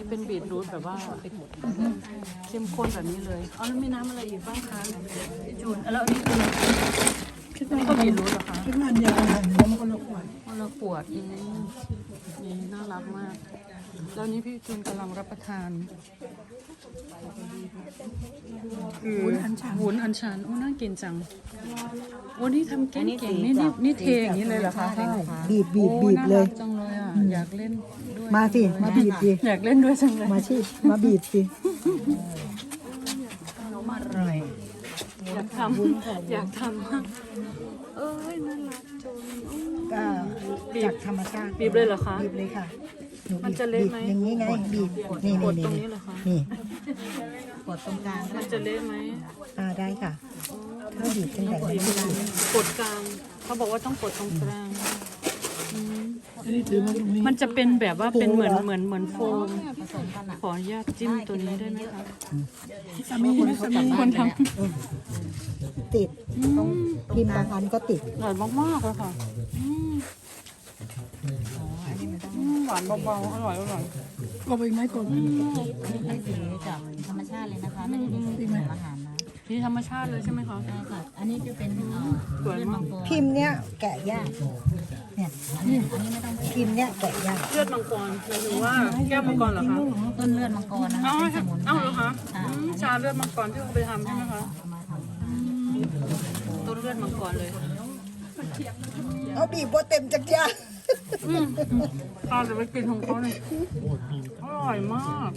เป็นบีทรูทแบบว่าเข้มข้นแบบนี้เลยเอาแล้วมีน้ำอะไรอีกบ้างคะพี่จูนแล้วอันนี้คือนี่ก็บีทรูทเหรอคะคิดว่าเดียวกันแล้วมันก็ละขวดคนละขวดนี่น่ารักมากแล้วนี้พี่จูนกำลังรับประทานคือวุ้นอัญชันโอ้น่ากินจังวันนี้ทำเก่งๆนี่เทอย่างนี้เลยเหรอคะบีบโอ้เลยน่ารักจังเลยอ่ะอยากเล่นด้วยมาสิมาบีบสิอยากเล่นด้วยจังเลยมาชิมาบีบสิอร่อยอยากทำมากเอ้ยน่ารักจังก็จากธรรมชาติบีบเลยเหรอคะบีบเลยค่ะหนูมันจะเละไหมบีบอย่างนี้ไงบีบนี่กดตรงนี้เหรอคะนี่กดตรงกลางมันจะเละไหมได้ค่ะถ้าบีบตั้งแต่นี้บีบกดกลางเขาบอกว่าต้องกดตรงกลางอันนี้ถือมาตรงนี้มันจะเป็นแบบว่าเป็นเหมือนโฟมผสมกันอ่ะขออนุญาตจิ้มตัวนี้ได้ไหมคะสามีคนทติดพิมพ์บางอันก็ติดำอร่อยมากๆเลยค่ะหวานเบาๆอร่อยก็ไปไหมก่อนอันนี้เป็นสีจากธรรมชาติเลยนะคะ ไม่ได้มีส่วนอาหารนะนี่ธรรมชาติเลยใช่ไหมคะใช่ค่ะ อันนี้จะเป็นสวยมากพิมพ์เนี้ยแกะยากเนี่ยพิมพ์เนี้ยแกะยากเลือดมังกรหมายถึงว่าแก้วมังกรเหรอคะต้นเลือดมังกรนะคะอ้าวเป็นสมุนไพรเหรอคะชาเลือดมังกรที่เขาไปทำใช่ไหมคะเอามาทต้นเลือดมังกรเลยเอาบีบโบเต็มจักรยานตอนจะไปกินของเขาเลยอร่อยมาก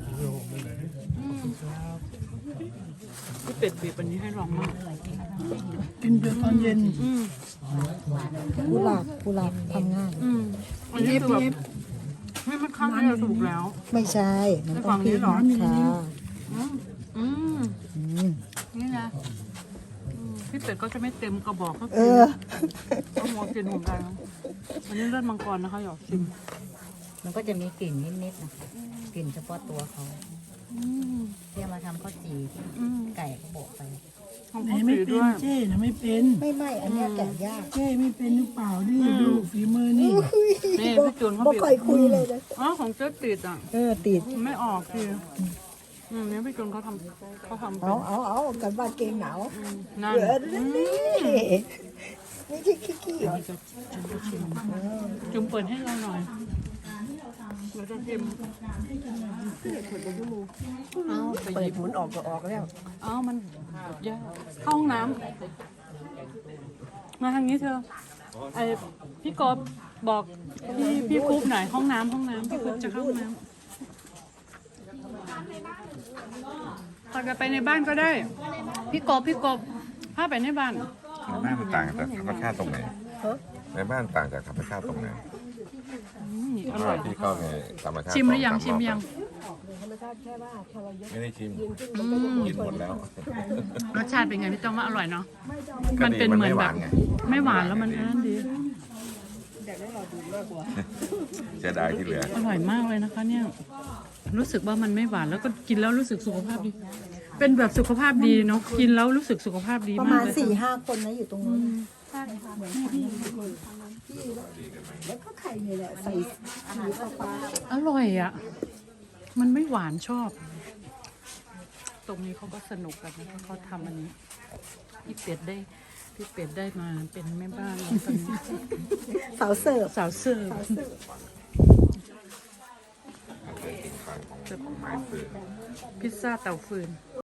พี่เป็ดบีบอันนี้ให้ลองมากกินเดือตอนเย็นกุหลาบทำง่ายอันนี้คือแบบไม่มันข้างที่เราถูกแล้วไม่ใช่มันต้องพิมพ์ค่ะอืมอืมนี่นะพี่เป็ดก็จะไม่เต็มกระบอกก็เอกินอก็มัวกินเหมือนกันอันนี้เลือดมังกรนะคะอยากชิมำมันก็จะมีกลิ่นนิดๆนะคะกลิ่นเฉพาะตัวเขาที่เอามาทำข้าวจี่ไก่ก็บอกไปทำข้าวจี่ด้วยเจ้นะไม่เป็นไม่อันเนี้ยแกะยากเจ้ไม่เป็นหรือเปล่านี่ดูฝีมือนี่นี่พี่จูนเขาบ่บีบค่อยคุยเลยนะอ๋อของเจ๊ติดอ่ะติดไม่ออกคือเนี่ยพี่จูนเขาทำเป็นเอากันบ้านเกงหนาวนั่นเออนี่ไม่ใช่ขี้หรอจุ่มเปิดให้เราหน่อยเราจะชิมเอาไปหยิบมันออกก็ออกแล้วเอามันยากเข้าห้องน้ำมาทางนี้เธอไอพี่กบบอกพี่คุ๊บหน่อยห้องน้ำพี่คุ๊บจะเข้าห้องน้ำพาไปในบ้านก็ได้ พี่กบพาไปในบ้านในบ้านมันต่างจากธรรมชาติตรงไหนในบ้านต่างจากธรรมชาติตรงไหนอร่อยที่เข้าในธรรมชาติชิมหรือยัง 2-3 ชิมยังไม่ได้ชิมกินหมดแล้วรสชาติเป็นไงพี่ต้องว่าอร่อยเนาะก็มันดีเป็นเหมือนแบบไม่หวานไงไม่หวานแล้วมันอันดีเสียดายที่เหลืออร่อยมากเลยนะคะ เนี่ย รู้สึกว่ามันไม่หวานแล้วก็กินแล้วรู้สึกสุขภาพดี เป็นแบบสุขภาพดีเนาะกินแล้วรู้สึกสุขภาพดีประมามาณกเลย 4-5 คนนะอยู่ตรงนู้นแล้วก็ไข่นี่แหละใส่สีฟ้าอร่อยอ่ะ มันไม่หวานชอบ ตรงนี้เขาก็สนุกกันนะคะเขาทำอันนี้พี่เป็ดได้มาเป็นแม่บ้านแล้วตอนนี้สาวเสิร์ฟสาวเสิร์ฟของไม้ฟืนพิซซ่าเตาฟืน